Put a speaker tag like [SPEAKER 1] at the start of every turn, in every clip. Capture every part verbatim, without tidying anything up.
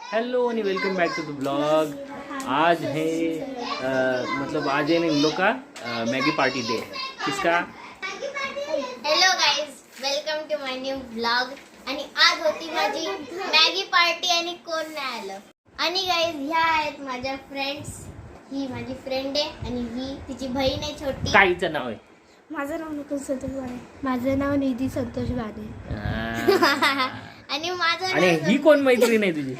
[SPEAKER 1] Hello and welcome back to the blog. आज है आ, मतलब आज है इन लोग का मैगी पार्टी डे। किसका?
[SPEAKER 2] Hello guys, welcome to my new blog. आणि आज होती माझी मॅगी पार्टी आणि कोण नाही आलं. आणि गाईज ह्या आहेत माझ्या फ्रेंड्स. ही माझी फ्रेंड आहे आणि ही तिची बहीण आहे छोटी.
[SPEAKER 1] काय हिचं नाव आहे?
[SPEAKER 3] माझं नाव नकुल संतोष बाणे. माझं नाव निधी संतोष बाणे.
[SPEAKER 1] आ,
[SPEAKER 2] आणि माझं
[SPEAKER 1] आणि
[SPEAKER 2] नाव
[SPEAKER 1] ही कोण मैत्रीण आहे तुझी?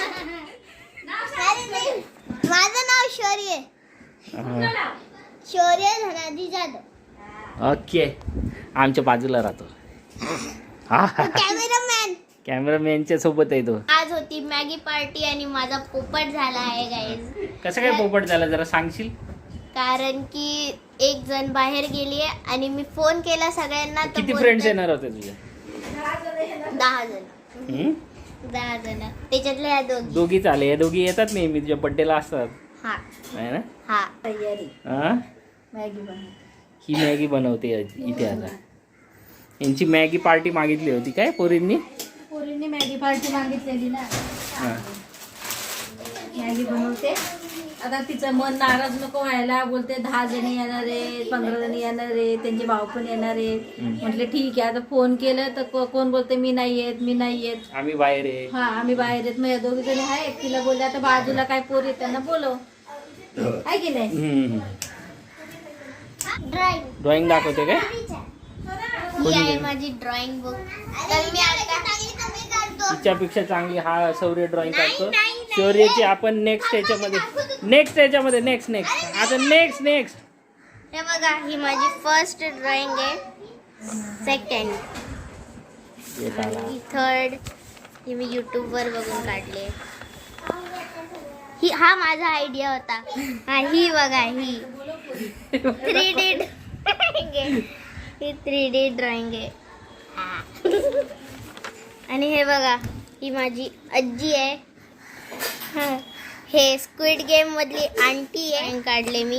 [SPEAKER 2] अरे नाही, माझं नाव शौर्य.
[SPEAKER 1] हा.
[SPEAKER 2] शौर्य धनाजी जाधव.
[SPEAKER 1] ओके, आमच्या बाजूला राहतो. हा
[SPEAKER 2] कॅमेरामॅन.
[SPEAKER 1] कॅमेरामॅनच्या सोबत आहे तो.
[SPEAKER 2] आज होती मॅगी पार्टी आणि माझा पोपट झाला आहे गाईज.
[SPEAKER 1] कसं काय पोपट झाला जरा सांगशील?
[SPEAKER 2] कारण की एक जण बाहेर गेली आणि मी फोन केला सगळ्यांना. तर
[SPEAKER 1] किती
[SPEAKER 2] बोलतात-
[SPEAKER 1] फ्रेंड्स येणार होते तुझे?
[SPEAKER 2] दहा जण.
[SPEAKER 1] हम्म?
[SPEAKER 2] दहा जण त्याच्यातल्या ह्या दोघी.
[SPEAKER 1] दोघीच आले. या दोघी येतात नेहमी तुझ्या बड्डेला असतात,
[SPEAKER 2] हा
[SPEAKER 1] आहे ना?
[SPEAKER 2] हा.
[SPEAKER 1] हा?
[SPEAKER 3] मॅगी बनव.
[SPEAKER 1] ही मॅगी बनवते इथे आता. यांची मॅगी पार्टी मागितली होती काय पोरींनी?
[SPEAKER 3] पोरींनी मॅगी पार्टी मागितलेली ना,
[SPEAKER 1] हा.
[SPEAKER 3] मॅगी बनवते. आता तिचं मन नाराज नको व्हायला. बोलते दहा जणी येणार आहे, पंधरा जणी येणार आहे, त्यांचे भाऊ पण येणार आहे. म्हटलं ठीक आहे. आता फोन केलं तर को- कोण बोलते मी नाही येत, मी नाही येत.
[SPEAKER 1] आम्ही बाहेर आहे.
[SPEAKER 3] हा आम्ही बाहेर येत. मग या दोघी जणी आहेत. तिला बोलले आता बाजूला काय पोर येत त्यांना बोलव, आहे की नाही.
[SPEAKER 1] हम्म.
[SPEAKER 2] ड्रॉइंग
[SPEAKER 1] ड्रॉइंग दाखवते काय?
[SPEAKER 2] ही आहे माझी ड्रॉइंग बुक. तर मी आता
[SPEAKER 1] तिच्यापेक्षा चांगली हा शौर्य ड्रॉइंग काढतो.
[SPEAKER 2] नाही, नाही,
[SPEAKER 1] शौर्यची आपण नेक्स्ट याच्यामध्ये नेक्स्ट याच्यामध्ये नेक्स्ट नेक्स्ट आता नेक्स्ट नेक्स्ट
[SPEAKER 2] हे बघा, ही माझी फर्स्ट ड्रॉइंग आहे. सेकंड,
[SPEAKER 1] येत आला.
[SPEAKER 2] ही थर्ड. ही मी युट्यूब वर बघून काढले. ही हा माझा आयडिया होता. हा ही बघा, ही थ्री डी ड्रॉइंग आहे. ही थ्री डी ड्रॉइंग आहे. आणि हे बघा, ही माझी आजी आहे. हा, हे स्क्विड गेम मधली आंटी आहे. काढले मी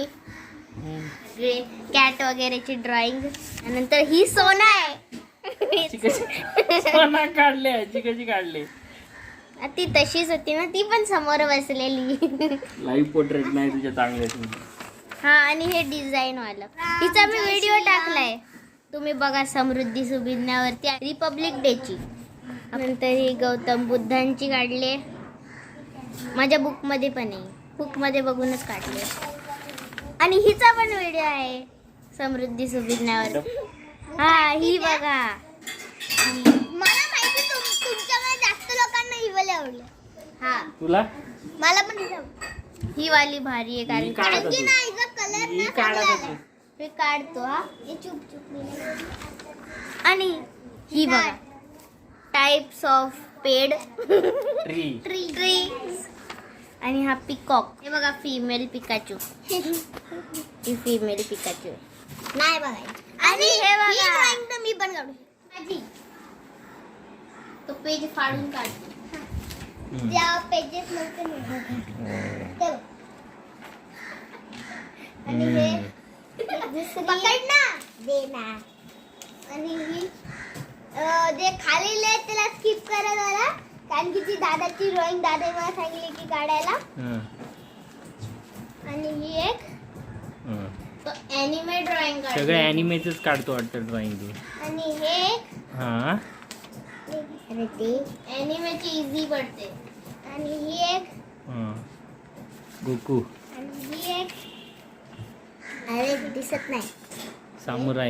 [SPEAKER 2] कॅट वगैरेची ड्रॉइंग. नंतर ही सोना आहे.
[SPEAKER 1] ती कशी सोना काढले ती कशी काढली?
[SPEAKER 2] ती तशीच होती ना, ती पण समोर बसलेली.
[SPEAKER 1] लाईव्ह पोर्ट्रेट नाही तुझ्या चांगल्या.
[SPEAKER 2] हा, आणि हे डिझाईन वाला. तिचा मी व्हिडिओ टाकलाय, तुम्ही बघा. समृद्धी सुभिन्यावरती रिपब्लिक डेची. नंतर ही गौतम बुद्धांची काढले. माझ्या बुक मध्ये पण आहे, बुक मध्ये बघूनच काढले. आणि हिचा पण व्हिडिओ आहे समृद्धी सुभिन्यावर. हा ही बघा. मला माहिती तुमच्यामध्ये जास्त लोकांना ही वाली आवडली. हा
[SPEAKER 1] तुला
[SPEAKER 2] मला पण ही आवडली. ही वाली भारी आहे
[SPEAKER 1] ही
[SPEAKER 2] कारण
[SPEAKER 1] काढत
[SPEAKER 2] कारण की
[SPEAKER 1] होती.
[SPEAKER 2] ना हिचा कलर
[SPEAKER 1] ही
[SPEAKER 2] ना
[SPEAKER 1] काढत
[SPEAKER 2] चांगला
[SPEAKER 1] होती.
[SPEAKER 2] आहे. मी काढतो. हा हे चुप चुप. आणि ही बघा, टाइप्स ऑफ पेड
[SPEAKER 1] ट्री.
[SPEAKER 2] Tree tree. आणि हा पिकॉक. हे बघा, फिमेल पिकाचू. ही फिमेल पिकाचू नाही बघायची. आणि हे बघा, ड्रॉइंग तर मी पण काढू माझी. तो पेज फाडून काढतो. त्या पेजेस नव्हते मी. आणि हे पकड ना, दे ना. आणि ही अं, जे खाली लिहिले त्याला स्किप करा जरा, कारण की ती दादाची ड्रॉइंग दादा मला सांगितली की काढायला.
[SPEAKER 1] हं,
[SPEAKER 2] आणि ही एक
[SPEAKER 1] हं.
[SPEAKER 2] तो ॲनिमे ड्रॉइंग
[SPEAKER 1] सगळं
[SPEAKER 2] काढली.
[SPEAKER 1] ॲनिमेचंच काढतो वाटतं ड्रॉइंग तू.
[SPEAKER 2] आणि हे एक
[SPEAKER 1] हा.
[SPEAKER 2] अरे ते ॲनिमेची इझी पडते. आणि ही एक
[SPEAKER 1] हं. गोकू
[SPEAKER 2] आणि ही एक अरे दिसत नाही.
[SPEAKER 1] सामुराय.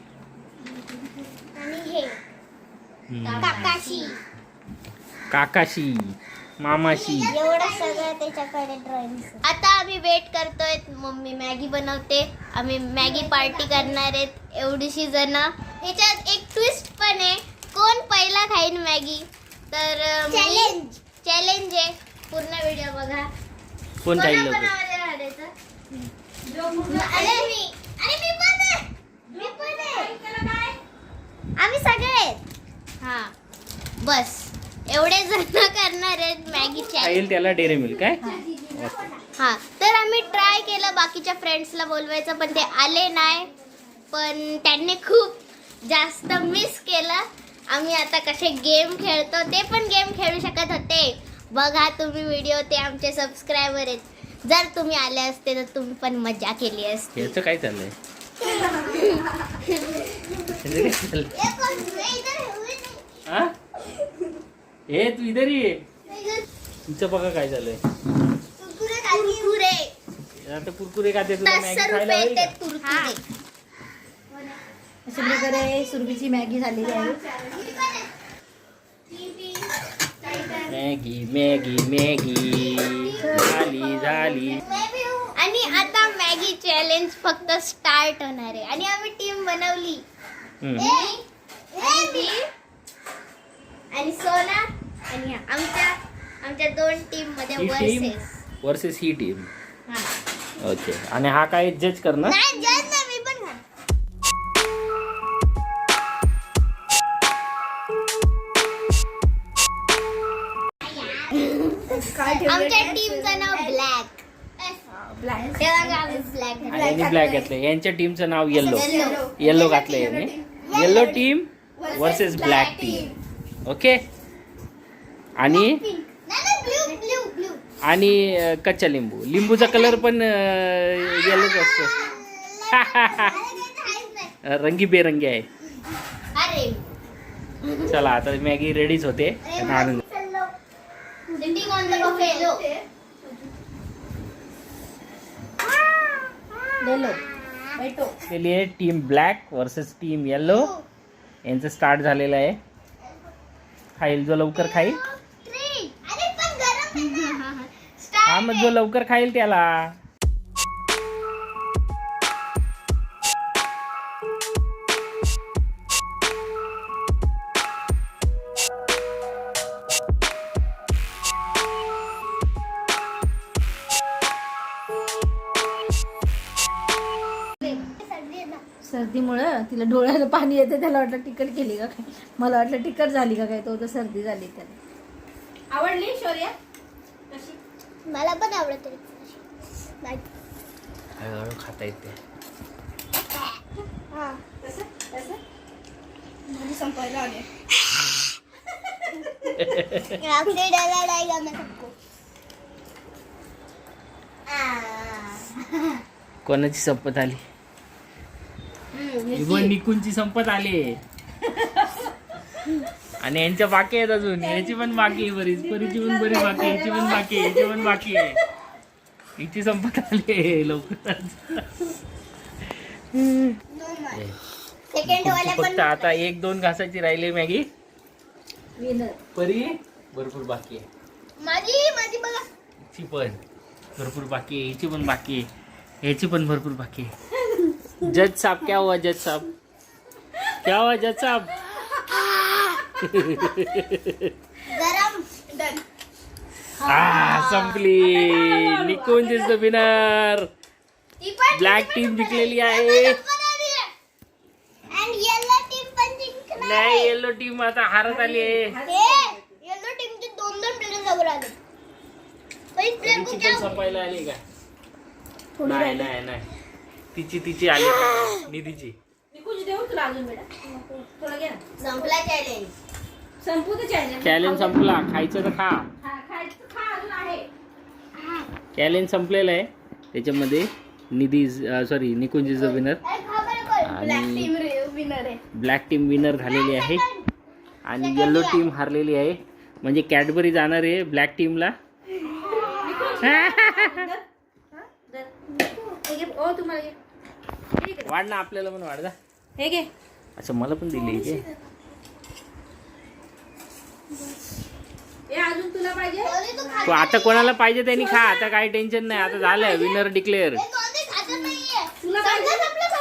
[SPEAKER 2] आणि हे
[SPEAKER 1] हं.
[SPEAKER 2] काकाशी.
[SPEAKER 1] काकाशी मामाशी.
[SPEAKER 2] एवढं सगळं त्याच्याकडे ड्रॉइंग. आता आम्ही वेट करतोय. मम्मी मॅगी बनवते, आम्ही मॅगी पार्टी करणार आहेत एवढीशी जण. ह्याच्यात एक ट्विस्ट पण आहे, कोण पहिला खाईन मॅगी. तर चॅलेंज चॅलेंज आहे. पूर्ण व्हिडिओ बघा.
[SPEAKER 1] कोण
[SPEAKER 2] कोणा
[SPEAKER 1] खाईल लवकर?
[SPEAKER 2] कोणामध्ये हारायचं? अरे मी अरे मी पण आहे. मी पण आहे. आम्ही सगळे आहेत. हा बस एवढे जण करणार आहेत मॅगी चॅलेंज.
[SPEAKER 1] खाईल त्याला डेअरी मिल्क काय?
[SPEAKER 2] हा, तर आम्ही ट्राय केलं बाकीच्या फ्रेंड्सला बोलवायचं, पण ते आले नाही. पण त्यांनी खूप जास्त मिस केलं. आम्ही आता कसे गेम खेळतो ते पण गेम खेळू शकत होते. बघा तुम्ही व्हिडिओ, ते आमचे सबस्क्रायबर आहेत. जर तुम्ही आले असते तर तुम्ही पण मजा केली असती.
[SPEAKER 1] याचं काय चाललंय? याचं काय चाललंय? हा? हे तू इधर ये. तुमचं बघा काय झालंय.
[SPEAKER 2] कुरकुरे
[SPEAKER 1] आता कुरकुरे खाते तुला मॅगी
[SPEAKER 2] दस
[SPEAKER 1] खायला
[SPEAKER 2] रुपये
[SPEAKER 1] होईल
[SPEAKER 2] ते
[SPEAKER 1] का?
[SPEAKER 2] कुरकुरे.
[SPEAKER 3] अशा प्रकारे सुरभीची मॅगी झालेली आहे.
[SPEAKER 1] मॅगी मॅगी मॅगी झाली झाली.
[SPEAKER 2] आणि आता मॅगी चॅलेंज फक्त स्टार्ट होणार आहे. आणि आम्ही टीम बनवली.
[SPEAKER 1] हम्म.
[SPEAKER 2] आणि मी आणि सोना आणि आमच्या आमच्या दोन टीम मध्ये
[SPEAKER 1] ही टीम
[SPEAKER 2] वर्सेस.
[SPEAKER 1] वर्सेस ही टीम.
[SPEAKER 2] हा.
[SPEAKER 1] ओके. आणि हा काय जज करणार?
[SPEAKER 2] नाही जज नाही, मी पण खाणार. आमच्या टीमचं नाव ब्लॅक.
[SPEAKER 3] ब्लॅक
[SPEAKER 2] ब्लॅक
[SPEAKER 1] आणि ब्लॅक घातलंय. यांच्या टीमचं नाव येल्लो.
[SPEAKER 2] Yellow.
[SPEAKER 1] येल्लो घातलंय यांनी. Yellow team versus black team. Okay. आणि
[SPEAKER 2] ब्लू ब्लू ब्लू.
[SPEAKER 1] आणि अं, कच्चा लिंबू. लिंबूचा कलर पण येल्लोच असतो. रंगीबेरंगी आहे.
[SPEAKER 2] अरे
[SPEAKER 1] चला आता मॅगी रेडीच होते. आणून
[SPEAKER 2] Sitting on the buffalo.
[SPEAKER 3] लेलो बेटो.
[SPEAKER 1] के लिए team black versus team yellow. यांचं स्टार्ट झालेलं आहे. खाईल जो लवकर खाईल.
[SPEAKER 2] अरे पण गरम आहे.
[SPEAKER 1] हा मग जो लवकर खाईल त्याला.
[SPEAKER 3] सर्दीमुळं तिला डोळ्याला पाणी येते. त्याला वाटलं तिखट केली का काय. मला वाटलं तिखट झाली का काय. तो तर सर्दी झाली त्याला. आवडली शौर्या कशी?
[SPEAKER 2] मला पण आवडत नाही.
[SPEAKER 1] हळूहळू खाता येते.
[SPEAKER 3] कसं कसं मुली संपायला आले.
[SPEAKER 2] आपले डला डायगा मैं सबको.
[SPEAKER 1] कोणाची संपत आली? इवन निकुंची संपत आली. आणि यांच्या बाकी आहेत अजून. याची पण बाकी आहे बरीच. परीची पण बरी बाकी आहे. याची पण बाकी आहे. याची पण बाकी आहे. हिची संपत आली लवकर.
[SPEAKER 2] सेकंड वाले
[SPEAKER 1] फक्त
[SPEAKER 2] पण
[SPEAKER 1] आता एक दोन घासाची राहिली मॅगी.
[SPEAKER 3] विनर.
[SPEAKER 1] परी भरपूर बाकी आहे.
[SPEAKER 2] माझी माझी बघा.
[SPEAKER 1] हिची पण भरपूर बाकी आहे. हिची पण बाकी आहे. याची पण भरपूर बाकी आहे. जज साहब क्या हुआ? जज साहब क्या हुआ? जज साहब
[SPEAKER 2] गरम. डन.
[SPEAKER 1] आ संपली. Nikunj is the winner. Black team जिंकलेली आहे.
[SPEAKER 2] आणि येलो टीम पण जिंकणार.
[SPEAKER 1] नाही येलो टीम आता हारत आली आहे.
[SPEAKER 2] येलो टीमचे दोन दोन प्लेयर जवळ आले. पहिली प्लेयर को
[SPEAKER 1] तिची
[SPEAKER 2] क्या
[SPEAKER 1] पण संपायला आली का?
[SPEAKER 3] थोडी
[SPEAKER 1] नाही
[SPEAKER 3] राहिली.
[SPEAKER 1] नाही नाही तिची तिची आली निधीची.
[SPEAKER 3] निकुंज देऊ तुला अजून बेटा. थोडं घे ना.
[SPEAKER 2] संपला चॅलेंज.
[SPEAKER 3] संपू दे चॅलेंज.
[SPEAKER 1] चॅलेंज संपला. खायचं तर खा.
[SPEAKER 3] खा खायचं खा अजून आहे.
[SPEAKER 1] चॅलेंज संपलेलं आहे. त्याच्यामध्ये Nidhi sorry Nikunj is the winner. आणि
[SPEAKER 2] विनर आहे.
[SPEAKER 1] ब्लॅक टीम विनर झालेली आहे. आणि येल्लो टीम हारलेली आहे. म्हणजे कॅडबरी जाणार आहे ब्लॅक टीमला.
[SPEAKER 3] हे घे. ओ तुम्हाला घे. हे घे.
[SPEAKER 1] वाढ ना आपल्याला पण वाढ जा.
[SPEAKER 3] हे घे.
[SPEAKER 1] अच्छा मला पण दिली इथे.
[SPEAKER 3] हे अजून तुला पाहिजे?
[SPEAKER 1] तो आता कोणाला पाहिजे त्यांनी खा. आता काही टेन्शन नाही. आता झालंय विनर डिक्लेअर.
[SPEAKER 3] तुला पाहिजे?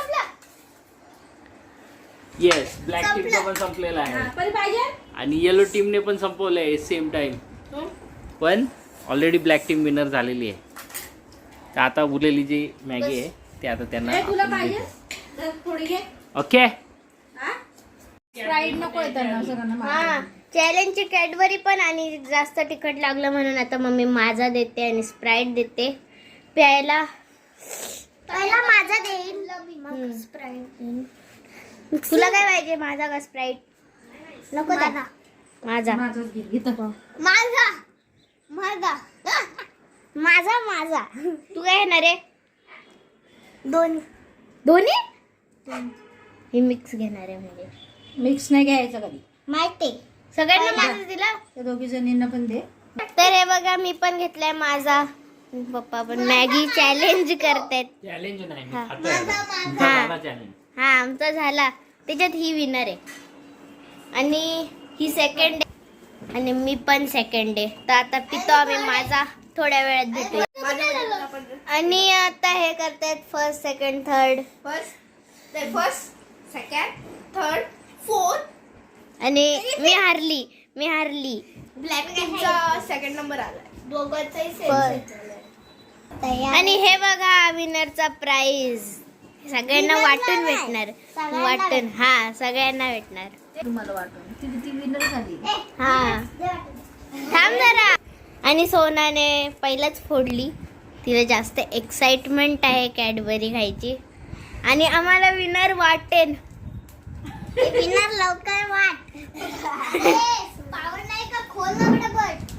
[SPEAKER 1] येस ब्लॅक टीमचं पण संपलेलं
[SPEAKER 3] हा,
[SPEAKER 1] आहे.
[SPEAKER 3] परी पाहिजे?
[SPEAKER 1] आणि येलो टीमने पण संपवलंय सेम टाइम. पण ऑलरेडी ब्लॅक टीम विनर झालेली आहे. तर आता उरलेली जी मॅगी आहे ते आता त्यांना
[SPEAKER 3] हे तुला
[SPEAKER 1] आपण
[SPEAKER 3] पाहिजे?
[SPEAKER 1] देतो.
[SPEAKER 3] तर थोडी घे.
[SPEAKER 1] ओके.
[SPEAKER 3] हा? स्प्राईट नको आहे त्यांना सगळ्यांना
[SPEAKER 2] हा
[SPEAKER 3] मागं.
[SPEAKER 2] चॅलेंजची कॅडबरी पण. आणि जास्त तिखट लागलं म्हणून आता मम्मी माझा देते आणि स्प्राईट देते प्यायला. पहिला माझा देईन मग स्प्राईट. तुला काय पाहिजे? माझा का स्प्राईट? नको दादा. माझा
[SPEAKER 3] माझंच घे. इथं पाहू.
[SPEAKER 2] माझा माझा माझा तू काय घेणार आहे? दोन दोन्ही ही मिक्स घेणार आहे म्हणजे
[SPEAKER 3] मिक्स नाही घ्यायचं कधी.
[SPEAKER 2] माहिती सगळ्यांना माझा दिला.
[SPEAKER 3] त्या दोघी जणींना पण दे.
[SPEAKER 2] तर हे बघा मी पण घेतलाय माझा. पप्पा पण मॅगी चॅलेंज करतायत.
[SPEAKER 1] चॅलेंज नाही मी
[SPEAKER 2] हा.
[SPEAKER 1] खातोय आता. तुमचा
[SPEAKER 2] हा.
[SPEAKER 1] झाला challenge.
[SPEAKER 2] हा आमचा झाला. त्याच्यात ही विनर आहे आणि ही सेकंड आहे आणि मी पण सेकंड आहे. तर आता पितो आम्ही माझा. थोड्या वेळात भेटूया. आणि आता हे करतायत first second third
[SPEAKER 4] first first second third fourth
[SPEAKER 2] आणि मी हारली मी हारली
[SPEAKER 4] ब्लॅक टीमचा सेकंड नंबर आलाय. दोघांचाही
[SPEAKER 2] आणि हे बघा विनरचा प्राइज सगळ्यांना वाटून भेटणार. वाटून हा सगळ्यांना भेटणार.
[SPEAKER 3] तुम्हाला वाटून ती ती विनर झाली.
[SPEAKER 2] हा थांब जरा. आणि सोनाने पहिलाच फोडली. तिला जास्त एक्साइटमेंट आहे कॅडबरी खायची आणि आम्हाला विनर वाटेन. विनर लवकर वाट. पावर नाही का खोल ना बट.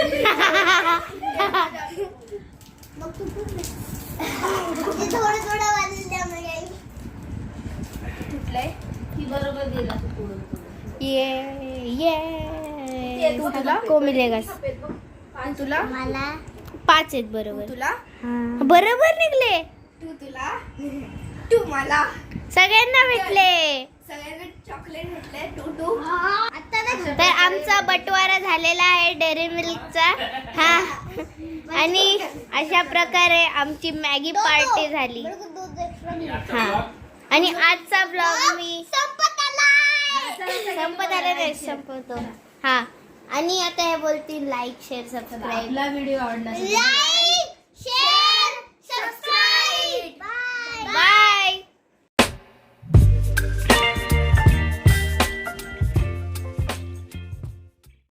[SPEAKER 2] थोडं थोडं वाजलं मग
[SPEAKER 4] तुटलंय.
[SPEAKER 3] ती बरोबर दिला तू पुढं पुढं.
[SPEAKER 2] ये ये
[SPEAKER 4] तू तुला
[SPEAKER 2] को मिलेगा.
[SPEAKER 4] तुला
[SPEAKER 2] मला पाच आहेत बरोबर.
[SPEAKER 4] तुला
[SPEAKER 2] बरोबर निघले.
[SPEAKER 4] तू तुला तू मला
[SPEAKER 2] सगळ्यांना भेटले.
[SPEAKER 4] सगळ्यांना चॉकलेट भेटले. टू टू
[SPEAKER 2] तर आमचा बटवारा झालेला आहे डेअरी मिल्कचा. हा आणि अशा प्रकारे आमची मॅगी पार्टी झाली. हा आणि आजचा ब्लॉग मी संपत आला नाही संपवतो. हा आणि आता हे बोलतील लाईक शेअर सबस्क्राईब.
[SPEAKER 3] आपला व्हिडिओ आवडला असेल तर
[SPEAKER 2] लाईक